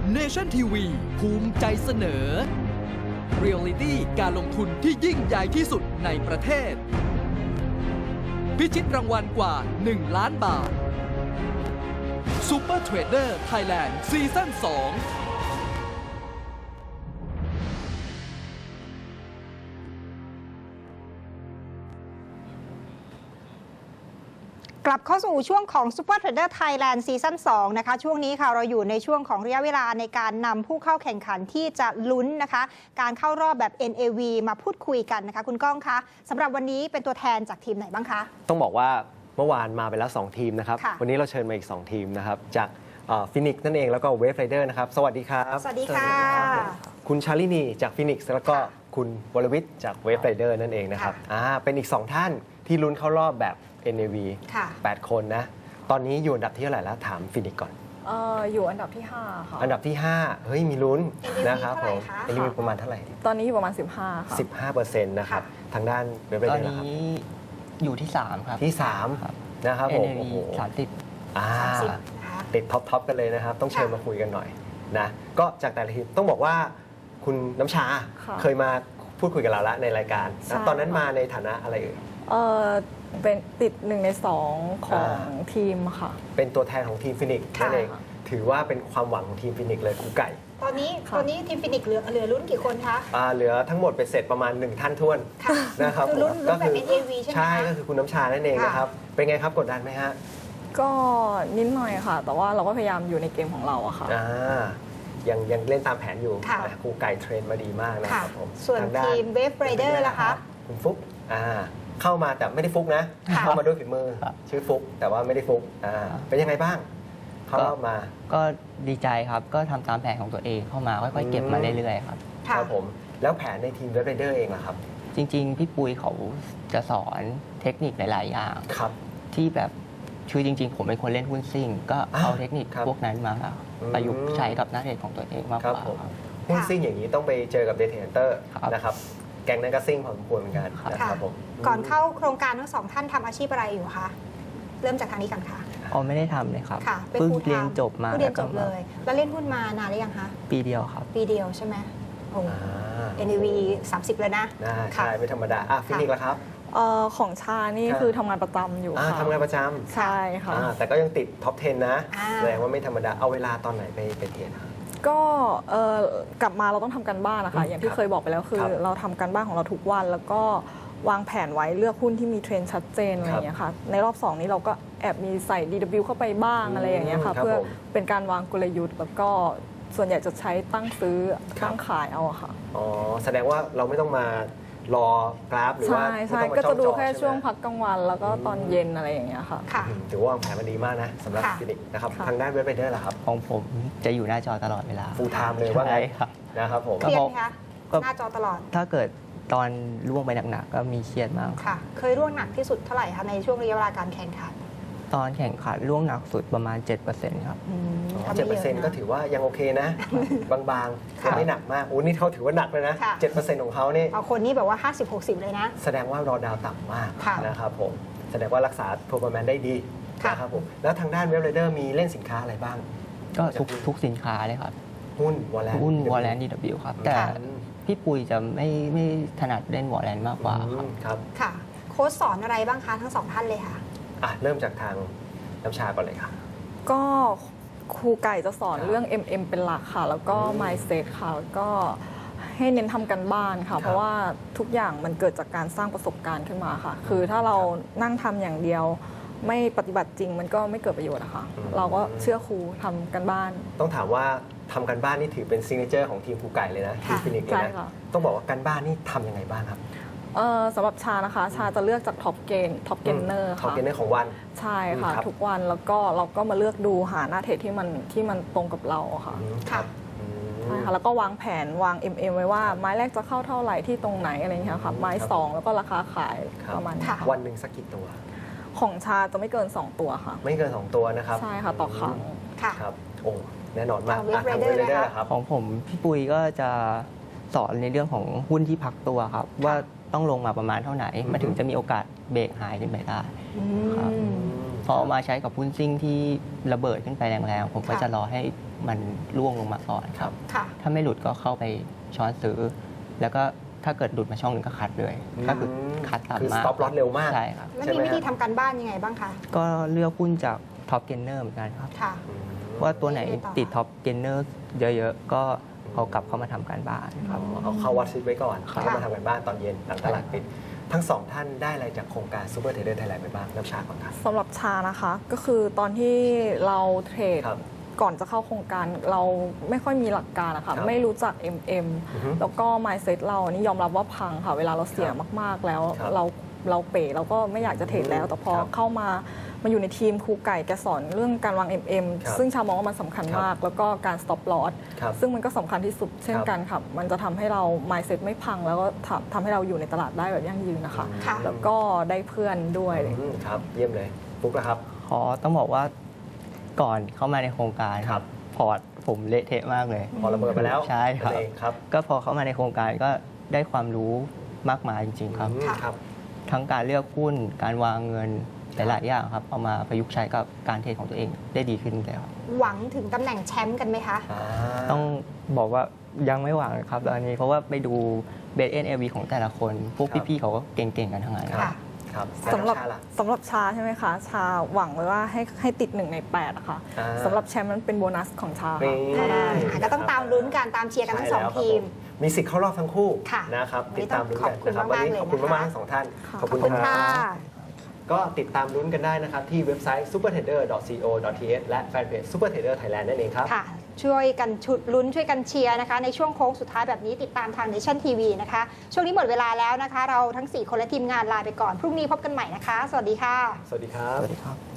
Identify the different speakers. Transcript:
Speaker 1: Nation TV ภูมิใจเสนอ Reality การลงทุนที่ยิ่งใหญ่ที่สุดในประเทศ พิชิตรางวัลกว่า 1 ล้านบาท Super Trader Thailand ซีซั่น 2
Speaker 2: กลับเข้าสู่ช่วงของ Super Trader Thailand ซีซั่น 2 นะคะช่วงนี้ค่ะเราอยู่ในช่วงของระยะเวลาในการนำผู้เข้าแข่งขันที่จะลุ้นนะคะการเข้ารอบแบบ NAV มาพูดคุยกันนะคะคุณก้องคะสำหรับวันนี้เป็นตัวแทนจากทีมไหนบ้างคะ
Speaker 3: ต้องบอกว่าเมื่อวานมาไปแล้ว2ทีมนะครับวันนี้เราเชิญมาอีก2ทีมนะครับจากฟินิกซ์นั่นเองแล้วก็เวฟไรเดอร์นะครับสวัสดีครับ
Speaker 2: สวัสดีค่ะ
Speaker 3: คุณชาลินีจากฟินิกซ์แล้วก็คุณวรวิทย์จากเวฟไรเดอร์นั่นเองนะครับเป็นอีก2ท่านที่ลุ้นเข้ารอบแบบNAV 8 คนนะตอนนี้อยู่อันดับที่เท่าไหร่แล้วถามฟินิกก่อน
Speaker 4: อยู่อันดับที่5ค่ะ
Speaker 3: อันดับที่5เฮ้ยมีลุ้นนะครับผม NAV ประมาณเท่าไหร่
Speaker 4: ตอนนี้อยู่ประมาณ15ค่ะ
Speaker 3: 15%นะครับทางด้านเวฟไรเดอร์
Speaker 5: ตอนนี้อยู่ที่3ครับ
Speaker 3: ที่3นะครับผม
Speaker 5: โอ้โห30
Speaker 3: ติดท็อปกันเลยนะครับต้องเชิญมาคุยกันหน่อยนะก็จากแต่ละทีมต้องบอกว่าคุณน้ำชาเคยมาพูดคุยกับเราแล้วในรายการนะตอนนั้นมาในฐานะอะไร
Speaker 4: เป็นติด1 ใน 2ของทีมค่ะ
Speaker 3: เป็นตัวแทนของทีมฟินิกซ์นั่นเองถือว่าเป็นความหวังของทีมฟินิกซ์เลยครูไก่
Speaker 2: ตอนนี้ทีมฟินิกซ์เหลือรุ่นกี่คนคะ
Speaker 3: เหลือทั้งหมดเป็นเสร็จประมาณ1ท่านท้วนนะครับ
Speaker 2: คือรุ่นแบบ NAV ใช่ไหม
Speaker 3: ใช่ก็คือคุณน้ำชานั่นเองนะครับเป็นไงครับกดดันไหมฮะ
Speaker 4: ก็นิดหน่อยค่ะแต่ว่าเราก็พยายามอยู่ในเกมของเราอะค่ะ
Speaker 3: ยังเล่นตามแผนอยู่ครูไก่เทรนมาดีมากนะครับผม
Speaker 2: ส่วนทีมเวฟไรเดอร์ล่ะคะ
Speaker 3: คุณฟุ๊กเข้ามาแต่ไม่ได้ฟุกนะเข้ามาด้วยฝีมือชื่อฟุกแต่ว่าไม่ได้ฟุกเป็นยังไงบ้างเข้ามา
Speaker 5: ก็ดีใจครับก็ทำตามแผนของตัวเองเข้ามาค่อยๆเก็บมาเรื่อยๆครับ
Speaker 3: ครับผมแล้วแผนในทีมเว็บไรเดอร์เองล่ะครับ
Speaker 5: จริงๆพี่ปุ้ยเขาจะสอนเทคนิคหลายๆอย่างที่แบบคือจริงๆผมเป็นคนเล่นหุ้นซิ่งก็เอาเทคนิคพวกนั้นมาประยุกต์ใช้กับนักเทรดของตัวเองมากกว่า
Speaker 3: หุ้นซิ่งอย่างนี้ต้องไปเจอกับเดทเทนเตอร์นะครับแกงนั้นก็ซิ่งพอสมควรเหมือนกันนะครับผม
Speaker 2: ก่อนเข้าโครงการทั้ง2ท่านทำอาชีพอะไรอยู่คะเริ่มจากทางนี้กันค่ะ
Speaker 5: ไม่ได้ทำเลยครับ
Speaker 2: เพิ่ง
Speaker 5: เรียนจบมา
Speaker 2: เรียนจบเลยแล้วเล่นหุ้นมานานหรือยังคะ
Speaker 5: ปีเดียวครับ
Speaker 2: ปีเดียวใช่ไหมโอ้ NAV 30เลยนะ
Speaker 3: ใช่ไม่ธรรมดาฟินิกแล้วครับ
Speaker 4: ของชานี่คือทำงานประจำอยู่ค่ะ
Speaker 3: ทำงานประจำ
Speaker 4: ใช่ค่ะ
Speaker 3: แต่ก็ยังติดท็อป 10 นะแสดงว่าไม่ธรรมดาเอาเวลาตอนไหนไปเรียน
Speaker 4: ก็กลับมาเราต้องทำการบ้านนะคะอย่างที่เคยบอกไปแล้วคือเราทำการบ้านของเราทุกวันแล้วก็วางแผนไว้เลือกหุ้นที่มีเทรนด์ชัดเจนอะไรอย่างเงี้ยค่ะในรอบ2นี้เราก็แอบมีใส่ DW เข้าไปบ้างอะไรอย่างเงี้ยค่ะเพื่อเป็นการวางกลยุทธ์แล้วก็ส่วนใหญ่จะใช้ตั้งซื้อตั้งขายเอาค่ะ
Speaker 3: แสดงว่าเราไม่ต้องมารอกราฟหรือว่า
Speaker 4: ใช่ก็จะดูแค่ช่วงพักกลางวันแล้วก็ตอนเย็นอะไรอย่างเงี้ยค่ะ
Speaker 3: ถือว่าวางแผนมาดีมากนะสำหรับฟินิกนะครับทางด้านเว็บไรเดอร์ล่ะครับ
Speaker 5: ของผมจะอยู่หน้าจอตลอดเวลา
Speaker 3: ฟูลไทม์เลยว่าไงนะครับผม
Speaker 2: เครียดไหมคะหน้าจอตลอด
Speaker 5: ถ้าเกิดตอนล่วงไปหนักๆก็มีเครียดมาก
Speaker 2: ค่ะเคยร่วงหนักที่สุดเท่าไหร่คะในช่วงระยะเวลาการแข่งขัน
Speaker 5: ตอนแข่งขันล่วงหนักสุดประมาณ 7% ครับ
Speaker 3: 7% ก็ถือว่ายังโอเคนะบางๆยังไม่หนักมากนี่เขาถือว่าหนักเลยนะ 7% ของเขานี่
Speaker 2: เอาคนนี้แบบว่า 50-60 เลยนะ
Speaker 3: แสดงว่ารอดาวต่ำมากนะครับผมแสดงว่ารักษา performance ได้ดีนะครับผมแล้วทางด้านเว็บไรเดอร์มีเล่นสินค้าอะไรบ้าง
Speaker 5: ก็ทุกสินค้าเลยครับ
Speaker 3: หุ้นวอ
Speaker 5: ลเลน DW ครับแต่พี่ปุ้ยจะไม่ถนัดเล่นวอลเลนมากกว่า
Speaker 3: ครับ
Speaker 2: ค่ะโค้ชสอนอะไรบ้างคะทั้ง2ท่านเลยค่ะ
Speaker 3: เริ่มจากทางน้ำชาก่อนเลยค่ะ
Speaker 4: ก็ครูไก่จะสอนเรื่อง MM เป็นหลักค่ะแล้วก็ mindset ค่ะแล้วก็ให้เน้นทำกันบ้านค่ะเพราะว่าทุกอย่างมันเกิดจากการสร้างประสบการณ์ขึ้นมาค่ะคือถ้าเรานั่งทำอย่างเดียวไม่ปฏิบัติจริงมันก็ไม่เกิดประโยชน์นะคะเราก็เชื่อครูทำกันบ้าน
Speaker 3: ต้องถามว่าทำกันบ้านนี่ถือเป็นซิกเนเจอร์ของทีมครูไก่เลยนะทีมฟินิกเลยนะต้องบอกว่ากันบ้านนี่ทำยังไงบ้างครับ
Speaker 4: สำหรับชานะคะชาจะเลือกจากท็อปเกนเนอร์ค่ะ
Speaker 3: ท็อปเกนเนอร์ของวัน
Speaker 4: ใช่ค่ะทุกวันแล้วก็เราก็มาเลือกดูหาหน้าเทรดที่มันตรงกับเราค่ะใช่ค่ะแล้วก็วางแผนวาง MM ไว้ว่าไม้แรกจะเข้าเท่าไหร่ที่ตรงไหนอะไรอย่างเงี้ยค่ะไม้2แล้วก็ราคาขายประมาณ
Speaker 3: วันหนึ่งสักกี่ตัว
Speaker 4: ของชาจะไม่เกิน2ตัวค่ะ
Speaker 3: ไม่เกิน2ตัวนะครับ
Speaker 4: ใช่ค่ะต่อครั้ง
Speaker 3: ครับโอ้แน่นอนมาก
Speaker 2: ทางเว็บไรเดอร์
Speaker 5: ครับของผมพี่ปุ้ยก็จะสอนในเรื่องของหุ้นที่พักตัวครับว่าต้องลงมาประมาณเท่าไหร่มาถึงจะมีโอกาสเบรกหายขึ้นไปได้
Speaker 3: ครับ
Speaker 5: พอเอามาใช้กับหุ้นซิ่งที่ระเบิดขึ้นไปแรงๆผมก็
Speaker 2: ค่ะ
Speaker 5: จะรอให้มันร่วงลงมาก่อนครับ
Speaker 2: ค่ะ
Speaker 5: ถ้าไม่หลุดก็เข้าไปช้อนซื้อ แล้วก็ถ้าเกิดหลุดมาช่องหนึ่งก็คัดเลย ก็คือคัดตาม
Speaker 3: คือ
Speaker 5: มา
Speaker 3: stop loss เร็วมาก
Speaker 5: ใช่ครับ
Speaker 2: แล้ว
Speaker 3: ใช่
Speaker 2: มี
Speaker 3: ไหม
Speaker 2: วิธี
Speaker 3: ฮะ
Speaker 2: ทำการบ้านยังไงบ้างคะ
Speaker 5: ก็เลือกหุ้นจากท็อปเกนเนอร์เหมือนกันครับ
Speaker 2: ค่ะ
Speaker 5: ว่าตัวไหน
Speaker 2: ไม่ได้ต่อ
Speaker 5: ติดท็อปเกนเนอร์เยอะๆ ก็เอากลับเข้ามาทำการบ้านครับ
Speaker 3: เอาเข้าวัดซิดไว้ก่อน
Speaker 5: ครับ
Speaker 3: แล้วมาทำกันบ้านตอนเย็นหลังตลาดปิด ทั้งสองท่านได้อะไรจากโครงการ Super Trader Thailand ไปบ้างน้ำชาก่อนครับ
Speaker 4: สำหรับชานะคะก็คือตอนที่เราเทรด
Speaker 3: ครับ
Speaker 4: ก่อนจะเข้าโครงการเราไม่ค่อยมีหลักการนะ
Speaker 3: ครั
Speaker 4: คะ
Speaker 3: บ
Speaker 4: ไม่รู้จัก MM
Speaker 3: อือฮึ
Speaker 4: แล้วก็ mindset เรานี่ยอมรับว่าพังค่ะ เวลาเราเสียมากๆแล้ว
Speaker 3: ครับ
Speaker 4: เราเป๋เราก็ไม่อยากจะเทรดแล้ว แต่พอ
Speaker 3: ครับ
Speaker 4: เข้ามาอยู่ในทีมครูไก่แกสอนเรื่องการวาง MM
Speaker 3: ครับ
Speaker 4: ซึ่งชามองว่ามันสำคัญมาก แล้วก็การ stop loss
Speaker 3: ครับ
Speaker 4: ซึ่งมันก็สำคัญที่สุดเช่นกันค่ะมันจะทำให้เรา mindset ไม่พัง แล้วก็ทำให้เราอยู่ในตลาดได้แบบยั่งยืนนะคะ
Speaker 2: ค่ะ
Speaker 4: แล้วก็ได้เพื่อนด้วย
Speaker 3: ครับเยี่ยมเลยฟุกนะครับ
Speaker 5: ต้องบอกว่าก่อนเข้ามาในโครงการ
Speaker 3: ครับ
Speaker 5: พอร์ตผมเละเทะมากเลย
Speaker 3: พอระเบิดไปแล้ว
Speaker 5: ใช่ครับ
Speaker 3: นั่นเองครับ
Speaker 5: ก็พอเข้ามาในโครงการก็ได้ความรู้มากมายจริง ๆ ครับ
Speaker 3: อืมครับ
Speaker 5: ทั้งการเลือกหุ้น การวางเงินหลายๆอย่างครับ เอามาประยุกต์ใช้กับการเทรดของตัวเองได้ดีขึ้นเลยครับ
Speaker 2: หวังถึงตำแหน่งแชมป์กันไหมคะ
Speaker 5: ต้องบอกว่ายังไม่หวังครับตอนนี้เพราะว่าไปดูเบสเอ็นเอวีของแต่ละคน พวก
Speaker 3: ครับ
Speaker 5: พี่ๆเขาก็เก่งๆกันทั้งนั้น
Speaker 3: ครับ ครับ
Speaker 4: สำหรับ
Speaker 3: แล้วน้ำชาล่ะ
Speaker 4: สำหรับชาใช่ไหมคะ ชาหวังไว้ว่าให้ติด1 ใน 8อะค่ะ
Speaker 3: อ่า
Speaker 4: สำหรับแชมป์นั้นเป็นโบนัสของชา
Speaker 3: นี่
Speaker 4: ค่ะถ้าได้
Speaker 2: ก็ต้องตามลุ้นกันตามเชียร์กันทั้งสอง
Speaker 3: ใช่แล้วครับ
Speaker 2: ทีม
Speaker 3: ผมีสิทธิ์เข้ารอบทั้งคู่
Speaker 2: ค่ะ
Speaker 3: นะครับ
Speaker 2: วันนี้
Speaker 3: ติดตามลุ้นกัน
Speaker 2: ต้อง
Speaker 3: นะครับ
Speaker 2: ขอบคุณ
Speaker 3: วันนี้
Speaker 2: มากๆ
Speaker 3: ขอบคุณ
Speaker 2: เลยนะคะ
Speaker 3: มากๆทั้งสองท่าน
Speaker 4: ค่ะ
Speaker 3: ขอบคุณ
Speaker 2: ขอบคุณ
Speaker 3: ครั
Speaker 2: ค่ะ
Speaker 3: บ ก็ติดตามลุ้นกันได้นะครับ ที่เว็บไซต์ supertrader.co.th และแฟนเพจ Super Trader Thailand นั่นเองครับ
Speaker 2: ค่ะ ช่วยกันชุดลุ้นช่วยกันเชียร์นะคะ ในช่วงโค้งสุดท้ายแบบนี้ติดตามทาง Nation TV นะคะ ช่วงนี้หมดเวลาแล้วนะคะ เราทั้ง 4 คนและทีมงานลาไปก่อน พรุ่งนี้พบกันใหม่นะคะ สวัสดีค่ะ
Speaker 3: สวัสดีครับ
Speaker 5: สวัสดีครับ